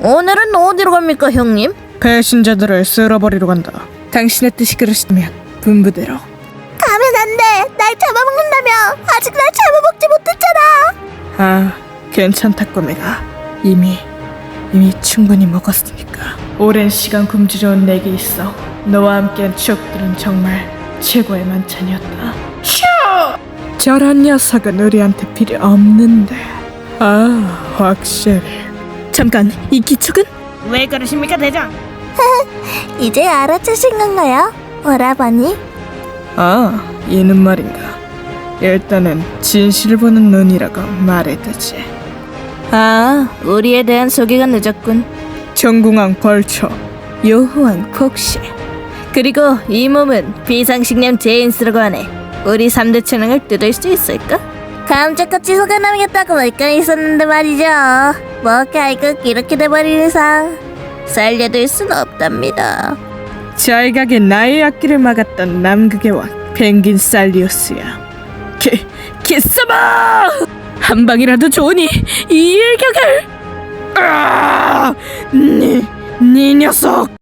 오늘은 어디로 갑니까, 형님? 배신자들을 쓸어버리러 간다. 당신의 뜻이 그러시다면 분부대로. 가면 안 돼. 날 잡아먹는다며. 아직 날 잡아먹지 못했잖아. 아, 괜찮다 꼬매가. 이미 충분히 먹었으니까. 오랜 시간 굶주려온 내게 있어 너와 함께한 추억들은 정말 최고의 만찬이었다. 저런 녀석은 우리한테 필요 없는데. 아, 확실히. 잠깐, 이 기척은? 왜 그러십니까, 대장? 이제 알아채신 건가요, 오라버니? 아, 이는 말인가. 일단은 진실을 보는 눈이라고 말해두지. 아, 우리에 대한 소개가 늦었군. 정궁왕 벌초, 요호왕 폭시. 그리고 이 몸은 비상식량 제인스라고 하네. 우리 3대 천왕을 뜯을 수 있을까? 감쪽같이 속아남겠다고 말까 있었는데 말이죠. 뭐 결국 이렇게 돼버린 이상 살려둘 순 없답니다. 잘 가게 나의 앞길을 막았던 남극의 왕 펭귄 살리우스야. 기싸마! 한 방이라도 좋으니 이 일격을! 네 녀석!